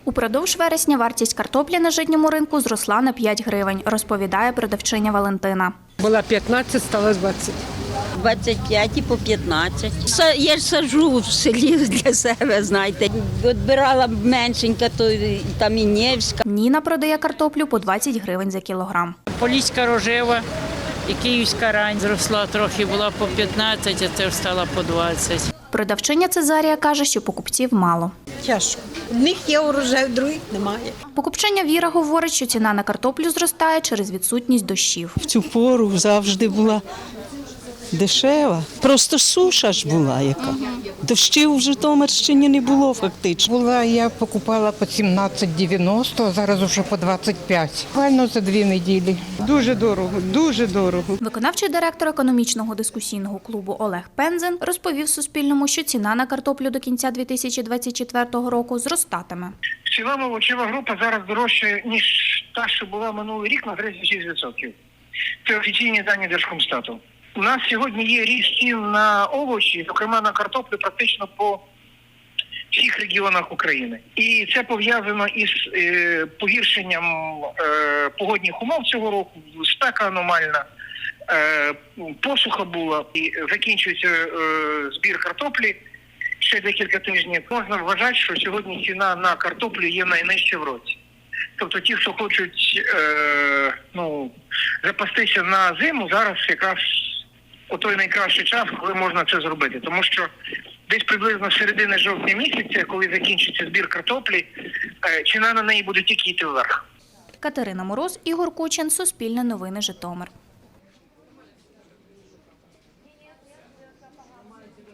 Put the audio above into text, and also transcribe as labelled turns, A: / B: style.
A: Упродовж вересня вартість картоплі на житньому ринку зросла на 5 гривень, розповідає продавчиня Валентина.
B: Була 15, стала 20.
C: 25 і по 15. Я ж саджу в селі для себе, знаєте. Відбирала меншенька, то там і Невська.
A: Ніна продає картоплю по 20 гривень за кілограм.
D: Поліська рожева і київська рань зросла трохи, була по 15, а це стала по 20.
A: Продавчиня Цезарія каже, що покупців мало.
E: Тяжко. Одних є урожай, других немає.
A: Покупчиня Віра говорить, що ціна на картоплю зростає через відсутність дощів.
F: В цю пору завжди була дешева. Просто суша ж була яка. Дощів в Житомирщині не було фактично.
G: Я покупала по 17,90, а зараз вже по 25. Буквально за 2 неділі. Дуже дорого, дуже дорого.
A: Виконавчий директор економічного дискусійного клубу Олег Пензен розповів Суспільному, що ціна на картоплю до кінця 2024 року зростатиме.
H: В цілому овочева група зараз дорожча, ніж та, що була минулий рік, на 36%. Це офіційні дані Держкомстату. У нас сьогодні є ріст цін на овочі, зокрема на картоплю, практично по всіх регіонах України. І це пов'язано із погіршенням погодних умов цього року, спека аномальна, посуха була, і закінчується збір картоплі ще декілька тижнів. Можна вважати, що сьогодні ціна на картоплю є найнижча в році. Тобто ті, хто хочуть запастися на зиму, зараз якраз той найкращий час, коли можна це зробити. Тому що десь приблизно з середини жовтня місяця, коли закінчиться збір картоплі, ціна на неї буде тільки йти вверх.
A: Катерина Мороз, Ігор Кучин, Суспільне новини, Житомир.